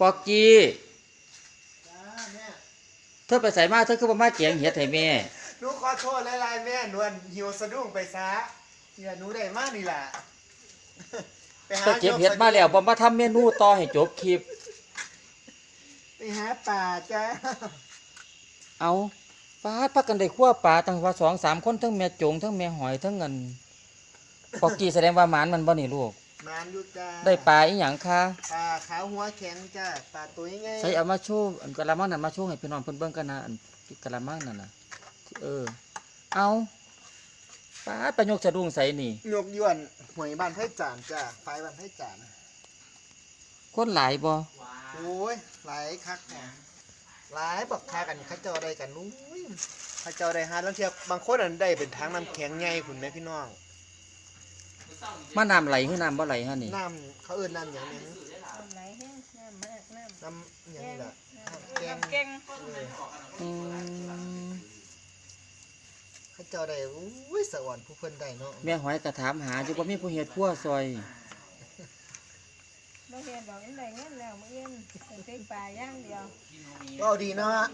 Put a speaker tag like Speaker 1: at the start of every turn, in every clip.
Speaker 1: ปอกกี้
Speaker 2: จ้าแม่
Speaker 1: เธอไปใส่มาเธอคือบ่มาเกียงเฮ็ดให้แม่
Speaker 2: หนูขอโทษหลายๆแม่หนวลหิวสะดุ้งไปซะเนี่ยหนูได้มากนี่แหละไปหา
Speaker 1: ไปเก็บเฮ็ดมาแล้วบ่มาทำเมนูต่อให้จบคลิป
Speaker 2: ไปหาป่าจ้า
Speaker 1: เอาปาดพักกันได้คั่วปลาตั้งว่า 2-3 คนทั้งแม่จงทั้งแม่หอยทั้งเงินปอกกี้แสดงว่าหมานมันบ่นี่ลูก
Speaker 2: มานอยู่จ้า
Speaker 1: ได้ปลาอีหยังคะ
Speaker 2: ปลาขาวหัวแข็งจ้าปลาตัวยังไง
Speaker 1: ใส่เอามาโชว์อันกะละมังนั่นมาโชว์ให้พี่น้องเพิ่นเบิ่งกันนะอันกะละมังนั่นน่ะเอาปาดไปยกสะดุ้งใส่นี่
Speaker 2: ยกยวนหวยบ้านไผ่จานจ้าไฟบ้านไผ่จาน
Speaker 1: คนหลายบ่
Speaker 2: โอ้ยหลายคักแหมหลายบักพากันเขาเจ้าได้กันนู้ยเขาเจ้าได้หาแล้วเทียบบางคนอันได้เป็นทางน้ำแข็งใหญ่คุณแม่พี่น้อง
Speaker 1: มาน้ำไหลคือน้ำบ่ไหลฮะนี่
Speaker 2: น้ำเขาเอิ้นน้ำอย่างนี้
Speaker 3: น้ำไหลแห้งน้ำมากน้ำ
Speaker 2: อย่างนี้แหละแกง
Speaker 3: น้ำเก่ง
Speaker 2: เขาเจ้าได้อุ้ยสวรรค์ผู้เพิ่นได้เนาะ
Speaker 1: แม่หอยก็ถามหาอยู่บ่มีผู้เฮ็ดครัวซอย
Speaker 3: ไม่เห็นบอกยังไงเงี้ยแล้วมื่อเย็นเป็นปลาย่างเดียว
Speaker 2: ก็ดีเนาะ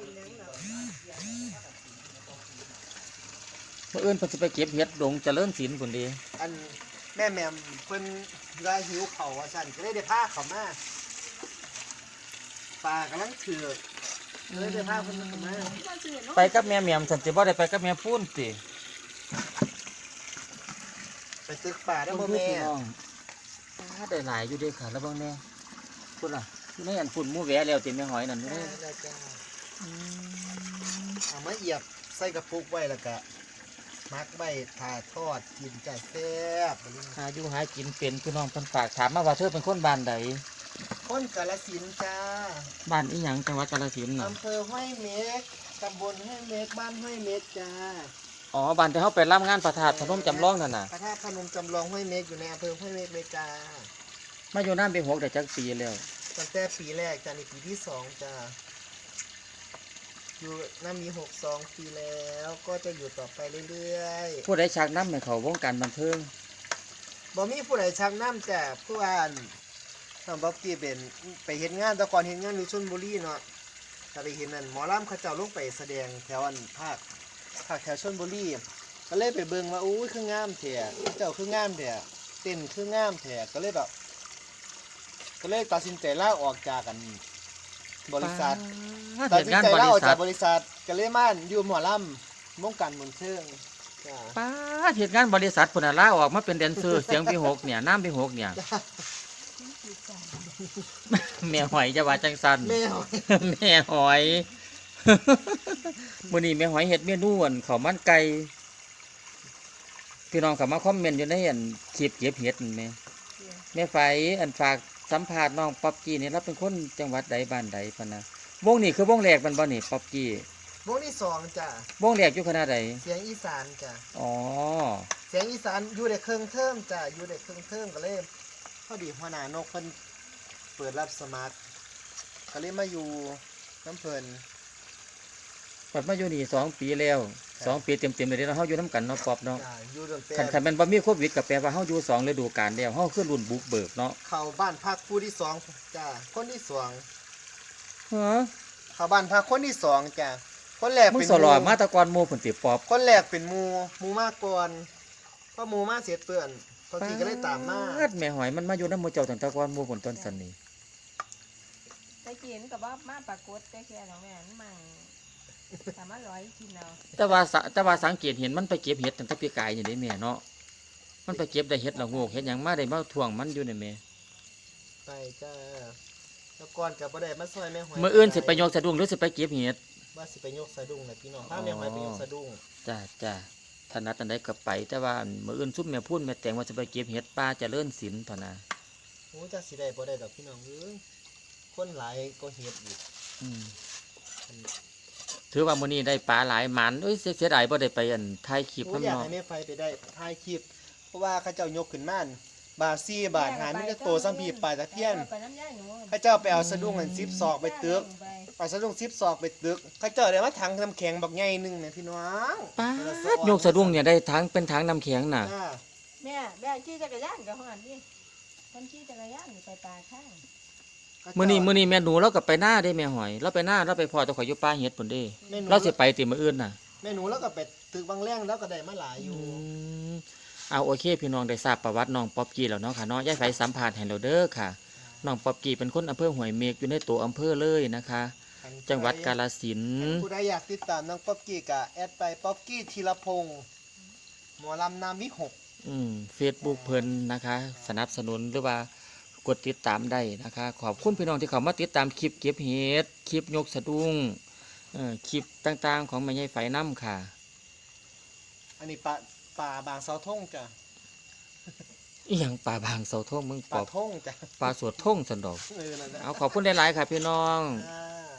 Speaker 1: เมื่ออื่นเพิ่นสิไปเก็บเฮ็ดดงเจริญศิลป์พุ่นเด้
Speaker 2: อันแม่แหม่มเพิ่นรายหิวเขาว่าซั่นก็เลยได้พาเขามาปลากำลังเถือกเลยได้พาเพิ่นมา
Speaker 1: ไปกับแม่แหม่มซั่นสิบ่ได้ไปกับแม่ปูนติ
Speaker 2: ไปตึกป่าได้บ่แม่
Speaker 1: ได้หลายอยู่เด้ค่ะแล้วเบิ่งแน่พุ่นล่ะอยู่ในอันฝุ่นหมู่แหวแล้วติแม่หอยนั่นอยู่เด้
Speaker 2: ได้จ้าเอามาเอียบใส่กระปุกไว้แล้วก็มักใบถ่าทอดกินจ้าแซ่บ
Speaker 1: หาอยู่หากินเป็นพี่น้องเพิ่นฝากถามมาว่าเธอเป็นคนบ้านใด
Speaker 2: คนกาฬสินธุ์จ้า
Speaker 1: บ้านอีหยังจังหวัดกาฬสินธุ์น่ะ
Speaker 2: อำเภอห้วยเม็กตำบลห้วยเม็กบ้านห้วยเม็กจ้า
Speaker 1: อ๋อบ้านที่เฮาไปรับงานพระธาตุพนมจำลองนั่นน่ะ
Speaker 2: พระธาตุพนมจำลองห้วยเม็กอยู่ในอำเภอห้วยเม็กเลยจ้า
Speaker 1: มาอยู่น้ำไป6ได้จักปีแล้ว
Speaker 2: ตั้งแต่ปีแรกจ้านี่ปีที่2จ้าอยู่น้ำมี62ปีแล้วก็จะอยู่ต่อไปเรื่อยๆ
Speaker 1: ผู้ใดชักนำให้เขาวงการบันเทิง
Speaker 2: บ่มีผู้ใดชักน้ำจ้าผู้อ่านน้องบ๊อบกี้เป็นไปเห็นงานแต่ก่อนเห็นงานอยู่ชลบุรีเนาะแต่ไปเห็นนั่นหมอลำเขาเจ้าลงไปแสดงแถวอันภาคแถวชลบุรีก็เลยไปเบิ่งว่าอู้ยคืองามแท้เจ้าคืองามแท้เต้นคืองามแท้ก็เลยแบบก็เลยตัดสินใจลาออกจากกันบริษัทตัดสินใจลาออกจากบริษัทก็เลยมาอยู่หมอลำวงการบันเทิงจ้า
Speaker 1: ป้าเหตุงานบริษัทพุ่นน่ะลาออกมาเป็นแดนเซอร์ เสียงพี่6เนี่ยน้ำพี่6เนี่ยแม่หอยจะว่าจังซั่น
Speaker 2: แม่หอย
Speaker 1: แม่หอยมื้อนี้แม่หอยเฮ็ดเมนูอันข้าวมันไก่พี่น้องเข้ามาคอมเมนต์อยู่ในอันคลิปเก็บเห็ดนั่นแม่แม่ไฝอันฝากสัมภาษณ์น้องป๊อบกี้นี่เราเป็นคนจังหวัดใดบ้านใดพะนะวงนี้คือวงแรกมันบ่นี่ป๊อบกี้
Speaker 2: วงที่2จ้าว
Speaker 1: งแรกอยู่คณะใด
Speaker 2: เสียงอีสานจ้า
Speaker 1: อ๋อ
Speaker 2: เสียงอีสานอยู่ได้เครื่องเทิมจ้าอยู่ได้เครื่องเทิมก็เลยพอดีหัวหน้านกเพิ่นเปิดรับสมัครก็เลยมาอยู่น้ำเพิ่น
Speaker 1: ปัดมาอยู่นี่2 ปีแล้ว2 ปีเต็มๆเลยเนาะเฮาอยู่นํกันเนาะป๊อบเนาะ
Speaker 2: จ้าอยู่ตั้งแต่
Speaker 1: คันแม่นบ่มีโควิดก็แปลว่าเฮาอยู่2ฤดูกาลแล้วเฮาคือรุ่นบุกเบิกเนาะ
Speaker 2: เข้าบ้านพักผู้ที่2จ้าคนที่2
Speaker 1: ฮะ
Speaker 2: เข้าบ้านพักคนที่2จ้าคนแรก
Speaker 1: มึง
Speaker 2: เป็น
Speaker 1: สลอมาแตะกอนหมู่พุ่นติป๊อบ
Speaker 2: คนแรกเป็นหมู่มาก่อนพอหมู่มาเสร็จเปื้อนพอทีก็เลยตามมา
Speaker 1: ปดแม่หอยมันมาอยู่นำหมู่เจ้าตั้งแต่ก่อนหมู่พุ่นต้นสันนี่
Speaker 3: ตะกี้มันกับว่ามาปรากฏแต่แค่ของแม่นมั่งสามารถร้อยกินเอา
Speaker 1: แต่ว่าสังเกตเห็นมันไปเก็บเห็ดตั้งแต่ปีกายนี่เด้แม่เนาะมันไปเก็บได้เห็ดละโงกเห็ดหยังมาได้มาท่วงมันอยู่นี่แม่
Speaker 2: ไปจ้าแล้วก่อนก็บ่ได้มาซอยแม่หอย
Speaker 1: มื้ออื่นสิไปยกสะดุ้งหรือสิไปเก็บเห็ด
Speaker 2: ว่าสิไปยกสะดุ้งน่ะพี่น้องพาแม่หอยไปยกสะดุ้ง
Speaker 1: จ้าถนัดอันใดก็ไปแต่ว่ามื้ออื่นซุ่มแม่พูนแม่แต่งว่าสิไปเก็บเห็ดป่าเจริญศิลป์เท่านั้น
Speaker 2: โอ้จักสิได้บ่ได้ดอกพี่น้องเอ้ยคนหลายก็เฮ็ดอีก
Speaker 1: ถือว่ามื้อนี้ได้ปลาหลายหมันเอ้ยเสียดายบ่ได้ไปอันถ่ายคลิป
Speaker 2: โอ้
Speaker 1: นำ
Speaker 2: อยาก
Speaker 1: เนาะ
Speaker 2: ให้แม่ไฟไปได้ถ่ายคลิปเพราะว่าเขาเจ้ายกขึ้นมาบาท4บาทหามีแต่โตซ้ำพี่ปลาตะเพียน
Speaker 3: ไปน้ำย่างหนู
Speaker 2: เขาเจ้าไปเอาสะดุ้งอัน10ศอกไปตึกเอาสะดุ้ง10ศอกไปตึกเขาเจ้าได้มาถังน้ำแข็งบักใหญ่นึงเนี่ยพี่น้อง
Speaker 1: ปาดยกสะดุ้งเนี่ยได้ทั้งเป็นถังน้ำแข็งน่ะ
Speaker 2: จ้า
Speaker 3: แม่ขี่จักรยานกับหันดิคนขี่จักรยานไปปลาข้าง
Speaker 2: เขา
Speaker 1: มื้อนี้แม่หนูเราก็ไปหน้าได้แม่หอยเราไปหน้าเราไปพอตะข่อยอยู่ป่าเฮ็ดพุ่นเด้
Speaker 2: แม่หนู
Speaker 1: เราสิไปติมื้ออื่นน่ะ
Speaker 2: แม่หนูแล้วก็ไปตึกบางแรงแล้วก็ได้มาหลายอยู่
Speaker 1: มเอาโอเคพี่น้องได้ทราบประวัติน้องป๊อบกี้แล้วเนาะค่ะเนาะยายไฝสัมภาษณ์ให้เราเด้อค่ะน้องป๊อบกี้เป็นคนอำเภอห้วยเมฆอยู่ในตัวอำเภอเลยนะคะ จังหวัดกาฬสินธุ์
Speaker 2: ผู้ใดอยากติดตามน้องป๊อบกี้ก็แอดไปป๊อบกี้ธีรพงศ์หมอลำนามวิหก
Speaker 1: Facebook เพิ่นนะคะ สนับสนุนหรือว่ากดติดตามได้นะคะ ขอบคุณพี่น้องที่เข้ามาติดตามคลิปเก็บเห็ดคลิปยกสะดุ้งคลิปต่างๆของแม่ยายไฝน้ำค่ะ
Speaker 2: อันนี้ป่าบางเสาทงจ้ะ
Speaker 1: อีหยังป่าบางเสาทงมึงป
Speaker 2: ป่า
Speaker 1: อบ
Speaker 2: ทงจ้ะ
Speaker 1: ป่าสวดท่งสันดอก
Speaker 2: นั่นแหละ
Speaker 1: เอาขอบคุณหลายๆค่ะพี่น้อง
Speaker 2: อ่า